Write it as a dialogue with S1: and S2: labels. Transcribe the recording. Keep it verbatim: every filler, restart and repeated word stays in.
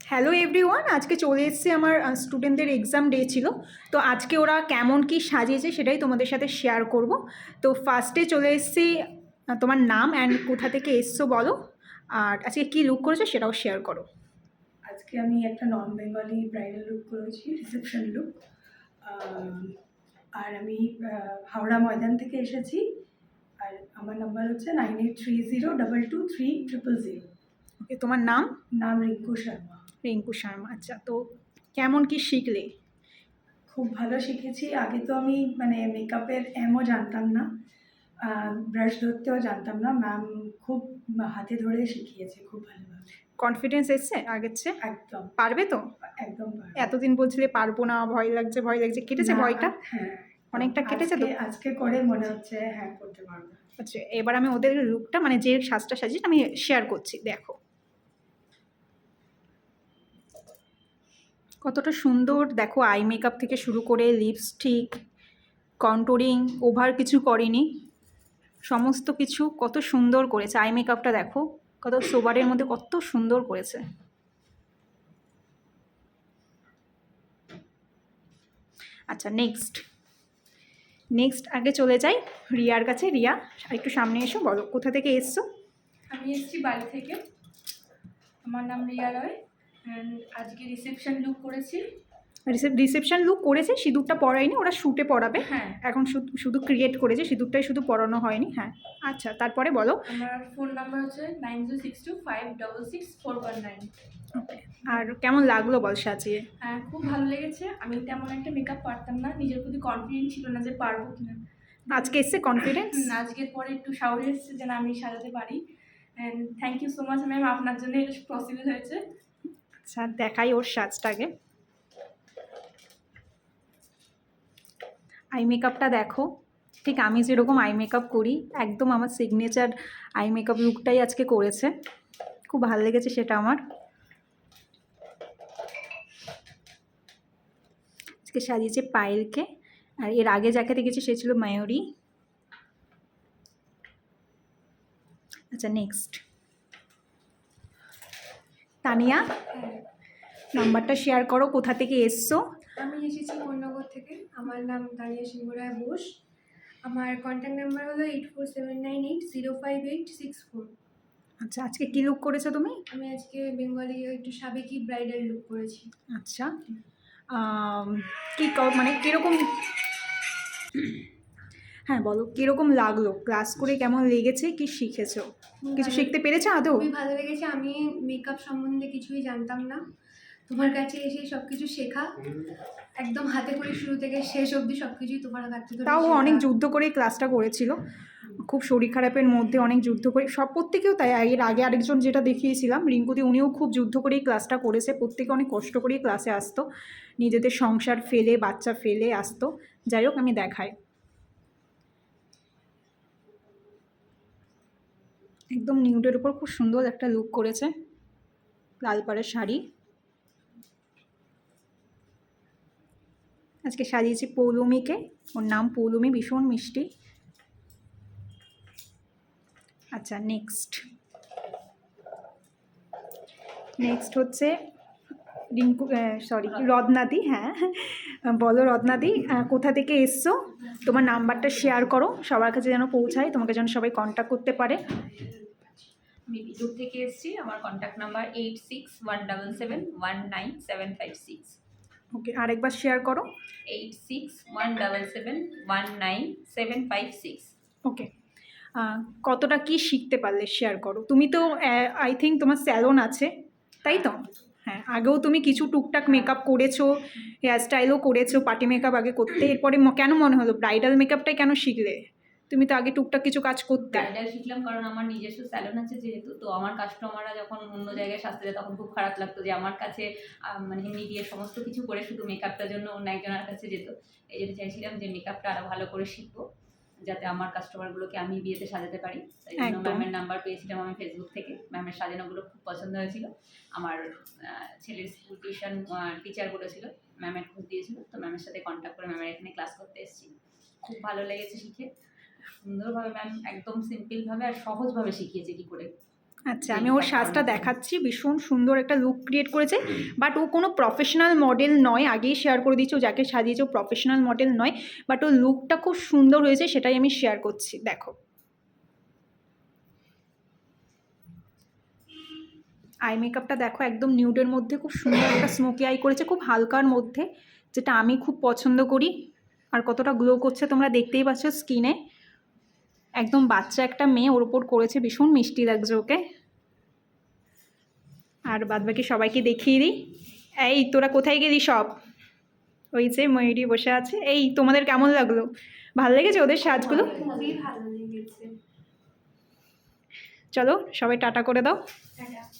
S1: Hello everyone, আজকে চলে এসেছে আমার স্টুডেন্টদের এক্সাম ডে ছিল। তো আজকে ওরা কেমন কি সাজিয়েছে সেটাই তোমাদের সাথে শেয়ার করব। তো ফার্স্টে চলে এসেছি, আহ, তোমার নাম অ্যান্ড কোথা থেকে এসছো বলো, আর আজকে কী লুক করেছো সেটাও শেয়ার করো।
S2: আজকে আমি একটা নন বেঙ্গলি ব্রাইডাল লুক করেছি, রিসেপশন লুক। আর আমি আহ, হাওড়া ময়দান থেকে এসেছি। আর আমার নাম্বার হচ্ছে nine eight three zero double two three triple zero.
S1: Okay, তোমার নাম?
S2: নাম রিঙ্কু শর্মা।
S1: রিঙ্কু শর্মা। আচ্ছা, তো কেমন কি শিখলে?
S2: খুব ভালো শিখেছি। আগে তো আমি মানে মেকআপের এমও জানতাম না, ব্রাশ ধরতেও জানতাম না। ম্যাম খুব হাতে ধরে শিখিয়েছে খুব ভালোভাবে।
S1: কনফিডেন্স এসছে আগের চেয়ে?
S2: একদম
S1: পারবে তো?
S2: একদম পারবো।
S1: এতদিন বলছিলে পারবো না, ভয় লাগছে ভয় লাগছে, কেটেছে
S2: না,
S1: ভয়টা?
S2: হ্যাঁ
S1: অনেকটা কেটেছে তো?
S2: আজকে আজকে করে মনে হচ্ছে হ্যাঁ করতে পারবো।
S1: আচ্ছা, এবার আমি ওদের লুকটা মানে যে সাজটা সাজিয়েছি আমি শেয়ার করছি, দেখো কতটা সুন্দর। দেখো, আই মেকআপ থেকে শুরু করে লিপস্টিক, কন্টুরিং, ওভার কিছু করেনি, সমস্ত কিছু কত সুন্দর করেছে। আই মেকআপটা দেখো কত সোবারের মধ্যে কত সুন্দর করেছে। আচ্ছা, নেক্সট নেক্সট আগে চলে যাই রিয়ার কাছে। রিয়া, একটু সামনে এসো, বলো কোথা থেকে এসছো?
S3: আমি এসেছি বাড়ি থেকে। আমার নাম রিয়া রয় অ্যান্ড আজকে রিসেপশন লুক করেছি।
S1: রিসেপশন লুক করেছে, সিঁদুরটা পরায়নি, ওরা শ্যুটে পরাবে।
S3: হ্যাঁ,
S1: এখন শুধু শুধু ক্রিয়েট করেছে, সিঁদুরটাই শুধু পরানো হয়নি। হ্যাঁ, আচ্ছা, তারপরে বলো।
S3: আমার ফোন নাম্বার হচ্ছে nine zero six two five double six four one nine.
S1: Okay, আর কেমন লাগলো বল সাজিয়ে?
S3: হ্যাঁ, খুব ভালো লেগেছে। আমি তেমন একটা মেকআপ পারতাম না, নিজের প্রতি কনফিডেন্ট ছিল না যে পারবো কিনা।
S1: আজকে এসছে কনফিডেন্স?
S3: আজকের পরে একটু সাহস এসেছে যে না, আমি সাজাতে পারি। And thank you so much ma'am, আপনার জন্য এটা পসিবল হয়েছে।
S1: আচ্ছা, দেখাই ওর সাজটাকে। আই মেকআপটা দেখো, ঠিক আমি যেরকম আই মেকআপ করি একদম আমার সিগনেচার আই মেকআপ লুকটাই আজকে করেছে। খুব ভালো লেগেছে সেটা আমার। আজকে সাজিয়েছে পায়েলকে, আর এর আগে যাকে দেখেছি সে ছিল মায়ূরী। আচ্ছা, নেক্সট তানিয়া, নাম্বারটা শেয়ার করো, কোথা থেকে এসছো?
S4: আমি এসেছি কোন্নগর থেকে। আমার নাম তানিয়া সিংহ রায় বোস। আমার কন্ট্যাক্ট নাম্বার হলো eight four seven nine eight zero five eight six four.
S1: আচ্ছা, আজকে কী লুক করেছো তুমি?
S4: আমি আজকে বেঙ্গলি একটু সাবেকি ব্রাইডাল লুক করেছি।
S1: আচ্ছা, কী মানে কীরকম, হ্যাঁ বলো কীরকম লাগলো, ক্লাস করে কেমন লেগেছে, কি শিখেছো, কিছু শিখতে পেরেছো আদৌ?
S4: খুবই ভালো লেগেছে। আমি মেকআপ সম্বন্ধে কিছুই জানতাম না, তোমার কাছে এসে সব কিছু শেখা, একদম হাতে করে শুরু থেকে শেষ অবধি সব কিছুই তোমার কাছ থেকে।
S1: তাও অনেক যুদ্ধ করে ক্লাসটা করেছিল, খুব শরীর খারাপের মধ্যে অনেক যুদ্ধ করে। সব প্রত্যেকেও তাই, এর আগে আরেকজন যেটা দেখিয়েছিলাম রিঙ্কুদি, উনিও খুব যুদ্ধ করেই ক্লাসটা করেছে। প্রত্যেকে অনেক কষ্ট করেই ক্লাসে আসতো, নিজেদের সংসার ফেলে বাচ্চা ফেলে আসতো। যাই হোক, আমি দেখাই, একদম নিউডের উপর খুব সুন্দর একটা লুক করেছে, লাল পাড়ের শাড়ি। আজকে সাজিয়েছি পৌলমীকে, ওর নাম পৌলমী, ভীষণ মিষ্টি। আচ্ছা, নেক্সট নেক্সট হচ্ছে রিঙ্কু, সরি রত্নাদি। হ্যাঁ বলো রত্নাদি, কোথা থেকে এসছো, তোমার নাম্বারটা শেয়ার করো সবার কাছে যেন পৌঁছায়, তোমাকে যেন সবাই কন্ট্যাক্ট করতে পারে।
S5: আমি বিদুর থেকে এসেছি। আমার contact number eight six one double seven one nine seven five six.
S1: Okay, আরেকবার শেয়ার করো।
S5: Eight six one double seven one nine seven five six.
S1: Okay, কতটা কি শিখতে পারলে শেয়ার করো। তুমি তো আই থিঙ্ক তোমার স্যালন আছে, তাই তো? হ্যাঁ, আগেও তুমি কিছু টুকটাক মেকআপ করেছো, হেয়ার স্টাইলও করেছো, পার্টি মেকআপ আগে করতে, এরপরে কেন মনে হলো ব্রাইডাল মেকআপটাই কেন শিখলে? তুমি তো আগে টুকটাক কিছু কাজ করতে।
S5: ব্রাইডাল শিখলাম কারণ আমার নিজস্ব স্যালন আছে যেহেতু, তো আমার কাস্টমাররা যখন অন্য জায়গায় সাজতে যায় তখন খুব খারাপ লাগতো যে আমার কাছে মানে এমনি দিয়ে সমস্ত কিছু করে শুধু মেকআপটার জন্য অন্য একজনের কাছে যেত। এই জন্য চাইছিলাম যে মেকআপটা আরও ভালো করে শিখবো, যাতে আমার কাস্টমারগুলোকে আমি বিয়েতে সাজাতে পারি। তাই জন্য ম্যামের নাম্বার পেয়েছিলাম আমি ফেসবুক থেকে। ম্যামের সাজানোগুলো খুব পছন্দ হয়েছিল। আমার ছেলের স্কুল টিউশন টিচার বলেছিল, ম্যামের খোঁজ দিয়েছিল, তো ম্যামের সাথে কন্ট্যাক্ট করে ম্যামের এখানে ক্লাস করতে এসেছি। খুব ভালো লেগেছে শিখে, সুন্দরভাবে ম্যাম একদম সিম্পলভাবে আর সহজভাবে শিখিয়েছে কী করে।
S1: আচ্ছা, আমি ওর সাজটা দেখাচ্ছি, ভীষণ সুন্দর একটা লুক ক্রিয়েট করেছে। বাট ও কোনো প্রফেশনাল মডেল নয়, আগেই শেয়ার করে দিচ্ছি, ও যাকে সাজিয়েছে ও প্রফেশনাল মডেল নয়, বাট ওর লুকটা খুব সুন্দর হয়েছে, সেটাই আমি শেয়ার করছি। দেখো আই মেকআপটা দেখো, একদম নিউডের মধ্যে খুব সুন্দর একটা স্মোকি আই করেছে, খুব হালকার মধ্যে, যেটা আমি খুব পছন্দ করি। আর কতটা গ্লো করছে তোমরা দেখতেই পাচ্ছ স্কিনে। একদম বাচ্চা একটা মেয়ে ওর ওপর করেছে, ভীষণ মিষ্টি লাগছে ওকে। আর বাদবাকি সবাইকে দেখিয়ে দিই। এই তোরা কোথায় গেলি সব? ওই যে ময়ূরী বসে আছে। এই তোমাদের কেমন লাগলো? ভালো লেগেছে ওদের সাজগুলো?
S4: খুবই ভালো লেগেছে।
S1: চলো সবাই টাটা করে দাও।
S4: টাটা।